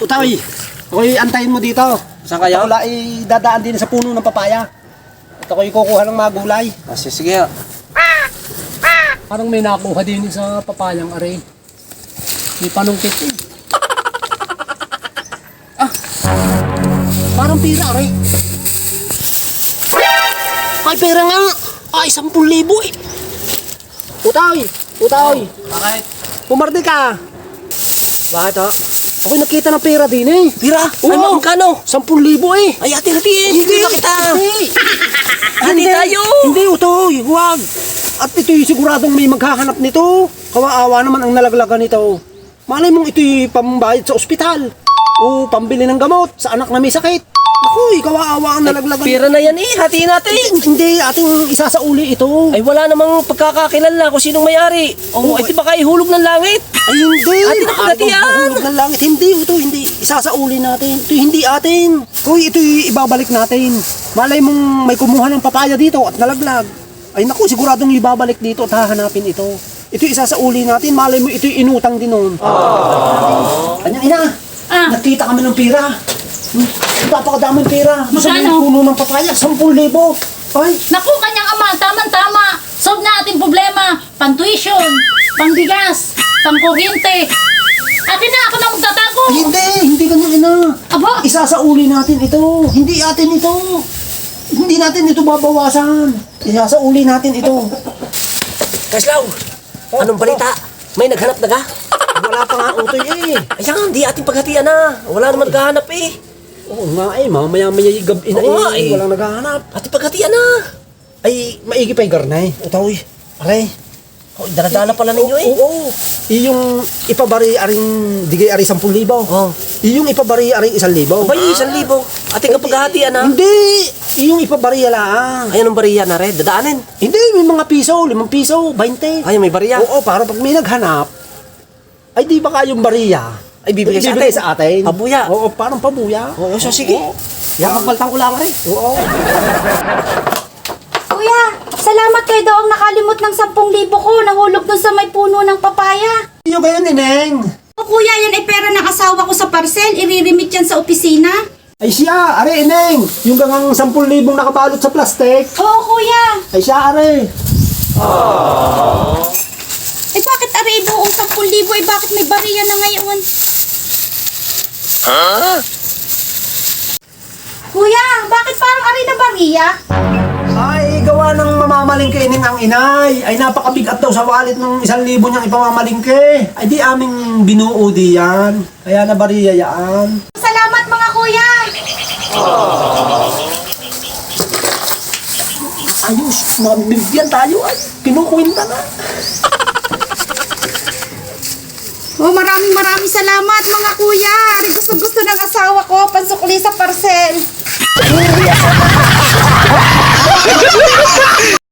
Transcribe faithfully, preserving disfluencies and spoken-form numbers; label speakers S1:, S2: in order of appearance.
S1: Utay, ako'y antayin mo dito.
S2: Saan kayo?
S1: Wala ay dadaan din sa puno ng papaya. At ako'y kukuha ng mga gulay.
S2: Ah, sige, sige.
S3: Parang may nakuha din sa papayang are. May panungkit eh. Ah! Parang pira are.
S1: Ay, pera nga. Ay, sampung libo eh. Utay, utay.
S2: Bakit?
S1: Pumardi ka.
S2: Bakit ho?
S1: Ako'y nakita ng pera din eh.
S2: Pira? Ay,
S1: Oo.
S2: magkano?
S1: Sampung libo eh.
S2: Ay, hati-hatiin. Hindi na kita.
S1: Hindi.
S2: Hati tayo.
S1: Hindi, utoy. Huwag. At ito'y siguradong may maghahanap nito. Kawaawa naman ang nalaglagan nito. Malay mong ito'y pambayad sa ospital. O pambili ng gamot sa anak na may sakit. Ako'y kawaawa ang nalaglagan.
S2: Pira na yan eh. Hatiin natin.
S1: Hindi, ating isasauli ito.
S2: Ay, wala namang pagkakakilala kung sinong may-ari. O, ay, di ba kayo hulog ng langit?
S1: Ay, hindi.
S2: Atin ang
S1: Maaari
S2: hatian.
S1: bang mahulog ng langit. Hindi, ito, hindi. Isasauli natin. Ito, hindi atin. Kuy, ito'y ibabalik natin. Malay mong may kumuha ng papaya dito at nalaglag. Ay, naku, siguradong ibabalik dito at hahanapin ito. Ito'y isasauli natin. Malay mo, ito'y inutang din nun. Kanyang ina,
S4: Ah.
S1: nakita kami ng pira. Hmm, napakadaming pira. Sa may
S4: Magkano?
S1: puno ng papaya, sampung libo. Ay,
S4: Naku, kanyang ama, tama-tama. Solve na ating problema. Pang-tuition, pang-bigas, pang-kuryente. Atin na, ako na magtatago.
S1: ay, hindi, hindi kanyang ina.
S4: Aba,
S1: Isasauli natin ito. Hindi atin ito. Hindi natin ito babawasan. Isasauli natin ito.
S2: Kaslaw, anong balita? May naghanap na ka?
S1: Wala pa nga utoy eh.
S2: Ayan, di ating paghatian na. Wala naman naghahanap eh.
S1: Oo nga eh, mamaya-maya yung gabi na
S2: Oo nga
S1: eh.
S2: eh.
S1: Walang naghahanap.
S2: Ating paghatian na.
S1: Ay, maigi pa yung garnay. Utoy. Aray.
S2: Oh, daladala pala ninyo eh.
S1: Oo. Iyong ipabari aring digay ari sampung libo.
S2: Oh.
S1: Iyong ipabari aring isang libo.
S2: Abay, isang libo. Ating kapaghatian na.
S1: Hindi. Iyong ipabari lang.
S2: Ayan ang bariya na red. Dadaanin.
S1: Hindi, may mga piso. Limang piso. Bainte.
S2: Ay, may bariya.
S1: Oo, para pag may naghanap, ay di ba kayong bariya?
S2: Ay, bibigay sa
S1: Ibibigay
S2: atin.
S1: sa atin.
S2: Pabuya.
S1: Oo, parang pabuya.
S2: Oo, so sige.
S1: Yan, magbaltang ko lang rin. Oo.
S5: Kuya, salamat kayo daw ang nakalimot ng sampung libo ko. Nahulog dun sa may puno ng papaya.
S1: Iyo kayo, Nineng.
S5: O kuya, yan ay pera ng asawa ko sa parcel. Iririmit yan sa opisina.
S1: Ay siya, are, Ineng. Yung gangang sampung libong nakabalot sa plastic.
S5: Oo kuya.
S1: Ay siya, are.
S5: Eh bakit aray buong sampung libo? Eh bakit may bariya na ngayon? Kuya, bakit parang aray na bariya?
S1: Ay, gawa ng mamamalingke Ineng ang inay. Ay, napakabigat daw sa wallet ng isang libo niyang ipamamalingke. Ay, di aming binuo di yan. Kaya nabariya yan.
S5: Salamat mga kuya.
S1: Ayos, mabibigyan tayo ay. Kinukwenta na.
S5: Oh, maraming maraming salamat mga kuya. Aray gusto gusto ng